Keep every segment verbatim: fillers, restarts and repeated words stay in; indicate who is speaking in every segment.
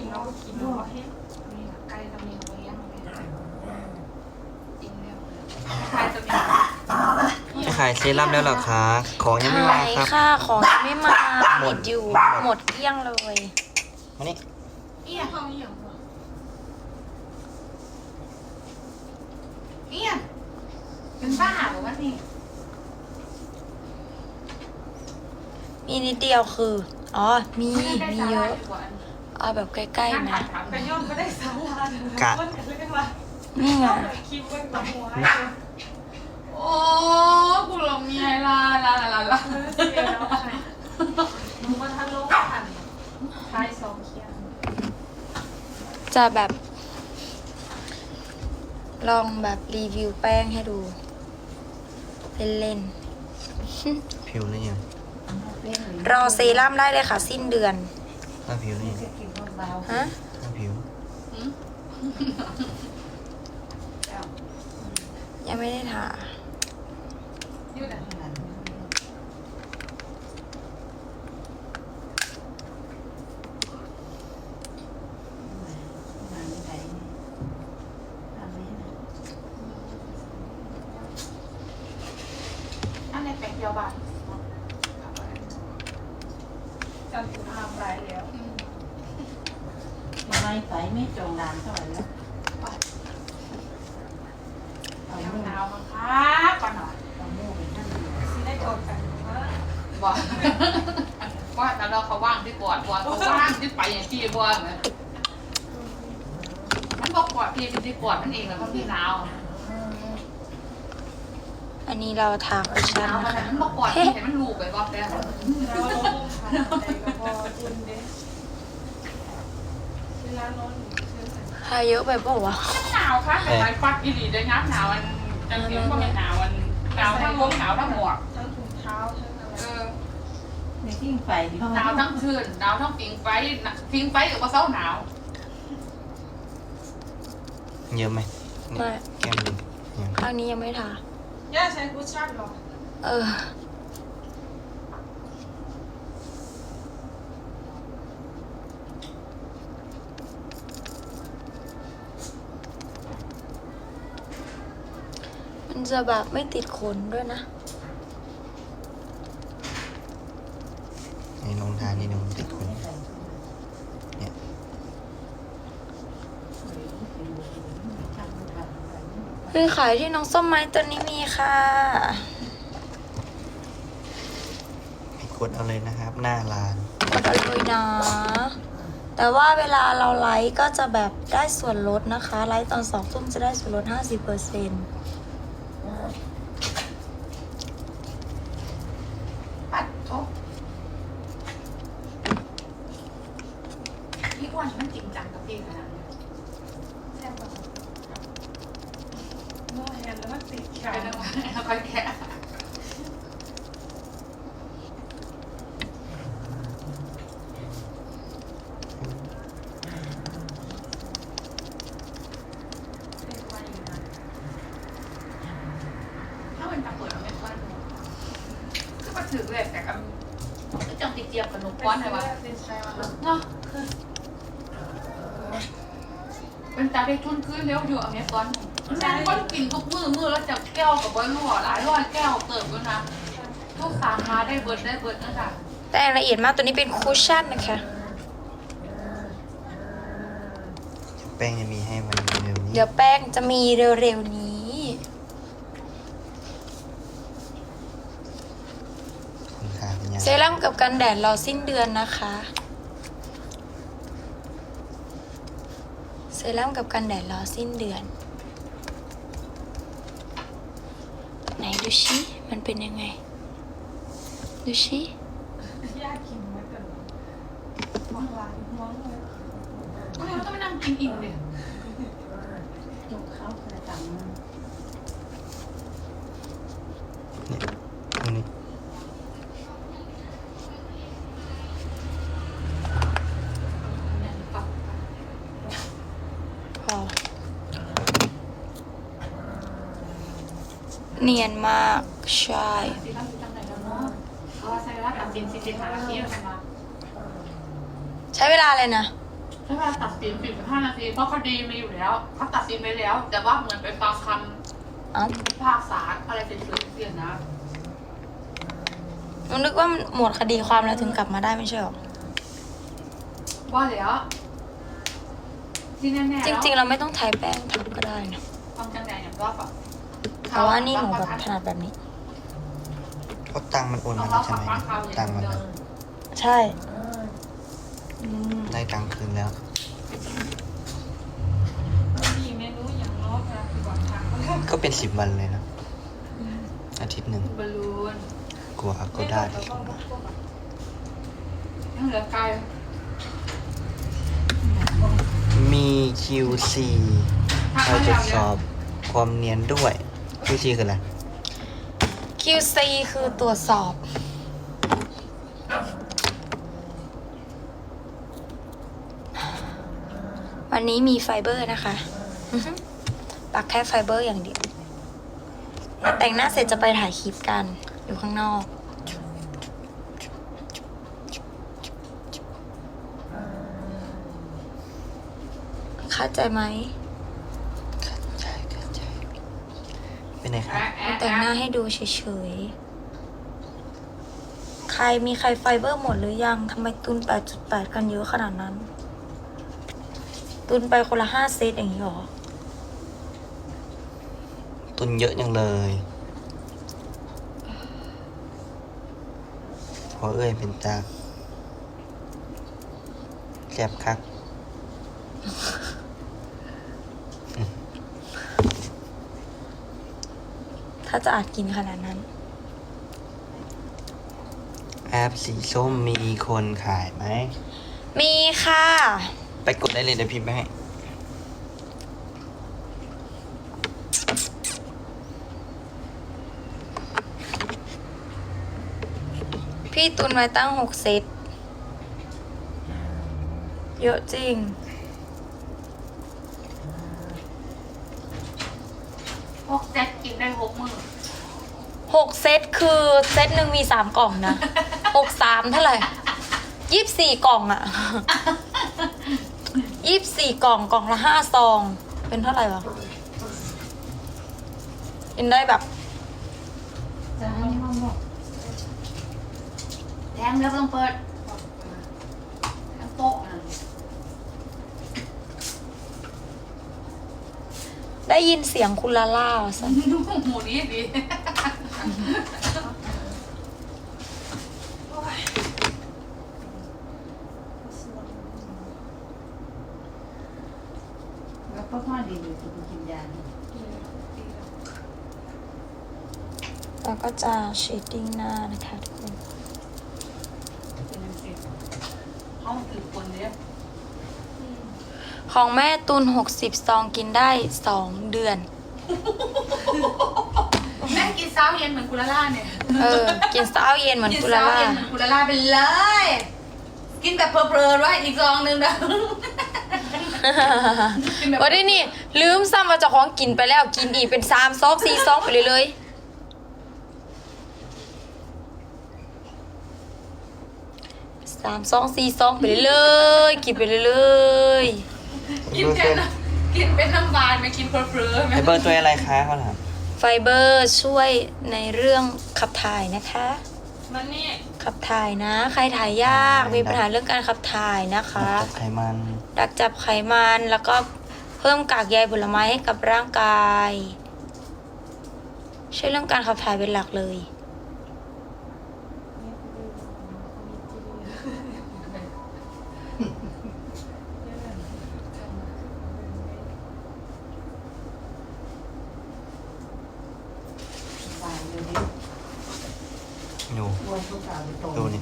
Speaker 1: เราก็กินเราก็เห็นนี่ไก่จะมีเลี้ยงจริงแล้วไก่จะมี
Speaker 2: จะขายเซรั่มแล้วเหรอคะ ของยังไม่มา
Speaker 3: ขาย
Speaker 2: ครับ
Speaker 3: ค่ะของยังไม่มา
Speaker 2: หมด
Speaker 3: ดอยู่ หมดเกลี้ยงเลย
Speaker 2: มานี่
Speaker 1: เอี้ยเขาเอี้ยเอี้ยเป็นบ้าหรือวะนี่
Speaker 3: มีนิดเดียวคือ อ๋อ มี มีเยอะ เอาแบบใกล้ๆนะ
Speaker 1: ไปย่อมก็ได้สาลา
Speaker 2: กะ
Speaker 3: นี่ไง
Speaker 1: คิดว่ากับหัวโอ้กูหลงมีไงล่ะลาลาลาลาเสียแล้วใครมึงมาทันโลกทันท้ายสองเคียง
Speaker 3: จะแบบ ลองแบบรีวิวแป้งให้ดู เล่น
Speaker 2: ผิวนี่ยัง
Speaker 3: ๆ รอเซรั่มได้เลยค่ะ สิ้นเดือน
Speaker 2: ถ้าผิวนี่
Speaker 3: ฮะ
Speaker 2: ถ้าผิว
Speaker 3: ยังไม่ได้ทา
Speaker 1: ยืดอ่ะอันในแปลงเดียวบ้านจำสุภาพไรแล้ว
Speaker 4: ไม่ใส่ไม่จงดานเท่าไหร่แล้ว
Speaker 1: เอาหนาวมาครับก่อนหน่อย
Speaker 4: เอาโม่ไปนั่ง
Speaker 1: สิได้โดนกันบอกว่าแต่เราเขาว่างที่กอดบอลเขาว่างที่ไปอย่างที่บอลนะมันบอกกอดพี่เป็นที่กอดมันเองแล้วมันพี่หนาว
Speaker 3: อันนี้เราทาคุช
Speaker 1: ห
Speaker 3: ชั่น
Speaker 1: นาวมัน
Speaker 3: นะคะ
Speaker 1: มันบอกกอดพี่แต่มันลูกไปบอกแต่
Speaker 3: ทาเยอะไปเปล่าวะ
Speaker 1: หนาวค่ะแต่ไฟฟัดอีหลีได้งับหนาวมันจังเสียงก็ไม่หนาวมันหนาวทั้งวงหนาวทั้งหมวก
Speaker 5: ทั้งถุงเท้าทั้งอะไร
Speaker 1: เออ
Speaker 4: ในที่ไฟที่ห้อง
Speaker 1: หนาวทั้งคืนหนาวทั้งปิงไฟปิงไฟกับว่าเศร้าหนาว
Speaker 2: เยอะไหมนี่
Speaker 3: ไม่
Speaker 2: แก้มดิยัง
Speaker 3: ข้างนี้ยังไม่ทา
Speaker 5: ย่าใช้คุชชั่นหรอ
Speaker 3: เออ มันจะแบบไม่ติดขนด้วยนะ
Speaker 2: ในลงทานนี่หนึ่งติดคนเนี่ย
Speaker 3: เฮ้ยขายที่น้องส้มไม้ตัวนี้มีค่ะ
Speaker 2: ไปกดเอาเลยนะครับ หน้าร้าน
Speaker 3: กดเอาเลยนะ แต่ว่าเวลาเราไลฟ์ก็จะแบบได้ส่วนลดนะคะ ไลฟ์ตอนสองทุ่มจะได้ส่วนลด ห้าสิบเปอร์เซ็นต์
Speaker 1: ปัดทบพี่อ้วนมันจริงจังกับพี่ขนาดนี้แซ่บแบบ
Speaker 5: โม่แฮนแล้วมันติดแข
Speaker 1: ไป
Speaker 5: น
Speaker 1: แล้วค่อยแค่ถ้ามันจะเปิดเราไม่ค่อยรู้คือมาถึงเลยแต่ก็ก็จังติดเจี๊ยบกับหนุกก้อนเลยวะ
Speaker 5: ติดใช่ไหม
Speaker 1: เนาะเป็นตาได้ทุนขึ้นเร็วอยู่อเมซอนแม่งก็กินทุกมือมือแล้วจับแก้วกับใบรั่วหลายร้อยแก้วเติมด้วยนะทุกสาขาได้เบิร์ดได้เบิร์ดนะคะ
Speaker 3: แต่ละเอียดมากตัวนี้เป็นคุชชั่นนะคะ
Speaker 2: แป้งจะมีให้วันเร็วนี้
Speaker 3: เดี๋ยวแป้งจะมีเร็วๆนี้
Speaker 2: คุณค่าเป็นยัง
Speaker 3: เซรั่มกับกันแดดรอสิ้นเดือนนะคะ เซรั่มกับกันแดดรอสิ้นเดือน ไหนดูชิมันเป็นยังไง ดูชิ
Speaker 5: ย่ากินไว้กันห่วงลายห่วงเลย
Speaker 1: ก็เลยต้องไปนั่งกินอิ่มเลย
Speaker 4: จุกเขากระตังมัน
Speaker 2: เนี่ยตรงนี้
Speaker 3: พอเนียนมากใช่
Speaker 1: ซีรั่มจังไหนแล้วเนาะเพราะว่าใช้เวลาตัดสินสิบสิบห้านาทีแล้วกันมา
Speaker 3: ใช้เวลาเลยนะ
Speaker 1: สใช้เวลาตัดสินสิบห้านาทีเพราะคดีมีอยู่แล้วเขาตัดสินไปแล้ว แต่ว่าเหมือนไปฟังค
Speaker 3: เอ้า
Speaker 1: ำพิพากษาอะไรเสร็จๆเสียนะ
Speaker 3: มันนึกว่ามันหมดคดีความแล้วถึงกลับมาได้ไม่ใช่หรอ
Speaker 1: ว่าแล้วที่แน่ๆ
Speaker 3: จริง ๆ เราไม่ต้องใช้แป้งทับก็ได้นะ
Speaker 1: ความจังแดงอย่างรอบอ่ะ
Speaker 3: แต่ว่านี่หนูแบบถนัดแบบนี้
Speaker 2: เพราะตังค์มันโอนมาแล้วใช่ไหมตังค์มันอะ
Speaker 3: ใช่อืม
Speaker 2: ได้ตังค์คืนแล้ว
Speaker 5: มีเมนูอย่างรอบนะคือก่อนทางก็
Speaker 2: ก็เป็นสิบวันเลยนะอาทิตย์หนึ่ง
Speaker 1: บอลลูน
Speaker 2: กลัวก็ได้ที่สุด
Speaker 1: ยังเหลือไกล
Speaker 2: มี คิว ซี คอยตรวจสอบความเนียนด้วย คิว ซี คืออะไร
Speaker 3: คิว ซี คือตรวจสอบ วันนี้มีไฟเบอร์นะคะอื้อหือปักแค่ไฟเบอร์อย่างเดียว แต่งหน้าเสร็จจะไปถ่ายคลิปกัน อยู่ข้างนอก เข้าใจไหม
Speaker 2: ใช่ใช่ใช่เป็นไงครับ
Speaker 1: แอะแอะ
Speaker 3: แต่งหน้า
Speaker 1: แอะ
Speaker 3: ให้ดูเฉยๆ ใครมีใครไฟเบอร์หมดหรือยัง ทำไมตุน แปดจุดแปด กันเยอะขนาดนั้น ตุนไปคนละห้าเซตอย่างนี้หรอ
Speaker 2: ตุนเยอะยังเลยพอเอ้ยเป็นตาแซ่บคัก
Speaker 3: ถ้าจะอาจกินขนาดนั้น
Speaker 2: แอปสีส้มมีคนขายไหม
Speaker 3: มีค่ะ
Speaker 2: ไปกดได้เลยเดี๋ยวพิมพ์ไปให้
Speaker 3: พี่ตุนไว้ตั้งหกเซต เยอะจริง
Speaker 1: พวกแจ็คกินได้หกมือ
Speaker 3: หกเซตคือเซตหนึ่งมีสามกล่องนะ หกสามเท่าไหร่ยี่สิบสี่กล่องอะยี่สิบสี่กล่องกล่องละห้าซอง เป็นเท่าไหร่วะกินได้แบบ
Speaker 4: จะให้ห้องบอก
Speaker 1: แทงแล้วไม่ต้องเปิดแทงโป๊ะนะ
Speaker 3: ได้ยินเสียงคุณลาล่าสัน
Speaker 1: หมูนี้ดี
Speaker 4: แล้วก็พ่อดีอยู่จะไปกินยา
Speaker 3: แล้วก็จะเชดดิ้งหน้านะคะทุกคน
Speaker 1: ห้องถือคนเนี้ย
Speaker 3: ของแม่ตุนหกสิบซองกินได้สองเดือน
Speaker 1: แม่กินเช้าเย็นเหมือนกุลาล่าเนี่ย
Speaker 3: เออ กินเช้าเย็นเหมือน
Speaker 1: กิน
Speaker 3: กุลา
Speaker 1: เช้า
Speaker 3: ล่า
Speaker 1: เย็นเหมือนกุลาล่าไปเลย กินแบบเพลินๆไว้อีกซองนึงนะ กินแบบ
Speaker 3: วันนี้นี่ ลืมซ้ำมาเจ้าของกินไปแล้วกินอีกเป็นสามซองสี่ซองไปเลยเลยสามซองสี่ซองไปเลยเลยกินไปเลยเลย
Speaker 1: กินแค่น้ำกินเป็นน้ำบานไม่กินเพลินๆไหม
Speaker 2: ไอเบอร์ตัวอะไรคะเขาถาม
Speaker 3: ไฟเบอร์ช่วยในเรื่องขับถ่ายนะคะ
Speaker 5: มันนี่
Speaker 3: ขับถ่ายนะ ใครถ่ายยากมีปัญหาเรื่องการขับถ่ายนะคะ
Speaker 2: จับไขมัน
Speaker 3: ดักจับไขมันแล้วก็เพิ่มกากใยผลไม้ให้กับร่างกายช่วยเรื่องการขับถ่ายเป็นหลักเลย
Speaker 4: ตายเลยดิ
Speaker 2: อยู่
Speaker 4: อ้วนทุกสาวไปโต
Speaker 2: ดูนี่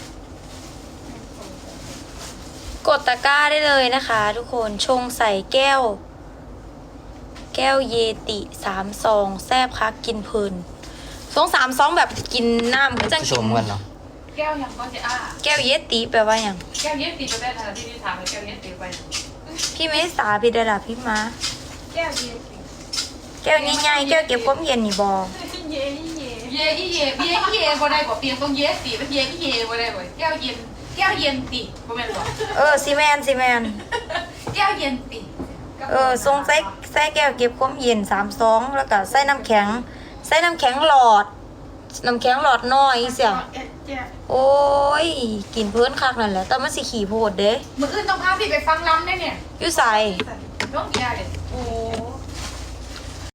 Speaker 3: กดตะกร้าได้เลยนะคะ ทุกคนชงใส่แก้ว แก้วเยติสามซองแซบคักกินเพลินสองสามซองแบบกินน้ำก็จะ
Speaker 2: ช
Speaker 3: กิน
Speaker 2: มกันเหรอ
Speaker 1: แก้วยังก็จะอ้า
Speaker 3: แก้วเยติแปลว่าอย่าง
Speaker 1: แก้วเย็ดตีไปได้ทันที่ที่ถามเลยแก้วเย็ดตีไป
Speaker 3: พี่ไม่สาพี่ดาดาพี่มา
Speaker 5: แก้วเย็น
Speaker 3: แก้วใหญ่ๆแก้วเก็บความเย็นนี่บอ
Speaker 5: เย่เย่
Speaker 1: เย่อีเย่เย่อีเย่บ่ได้กว่าเปลี่ยนต้องเย็ดตีเป็นเย่อีเย่บ่ได้กว่าแก้วเย็นแก้วเย็นติบ่แม่นบ่
Speaker 3: เออซีแมนซีแมน
Speaker 1: แก้วเย็นติ
Speaker 3: เออทรงใส่ใส่แก้วเก็บความเย็นสามซองแล้วก็ใส่น้ำแข็ง ใส่น้ำแข็งหลอด น้ำแข็งหลอดน้อยเสีย
Speaker 1: เอ๊ะแก้
Speaker 3: โอ้ยกินเพื่อนคักนั่นแหละแต่มันสิขี่โพดเด้
Speaker 1: มื้ออื่นต้องพาพี่ไปฟังลำได้เนี่ย
Speaker 3: อยู่ใส่
Speaker 1: ต้องแก้เลยโอ้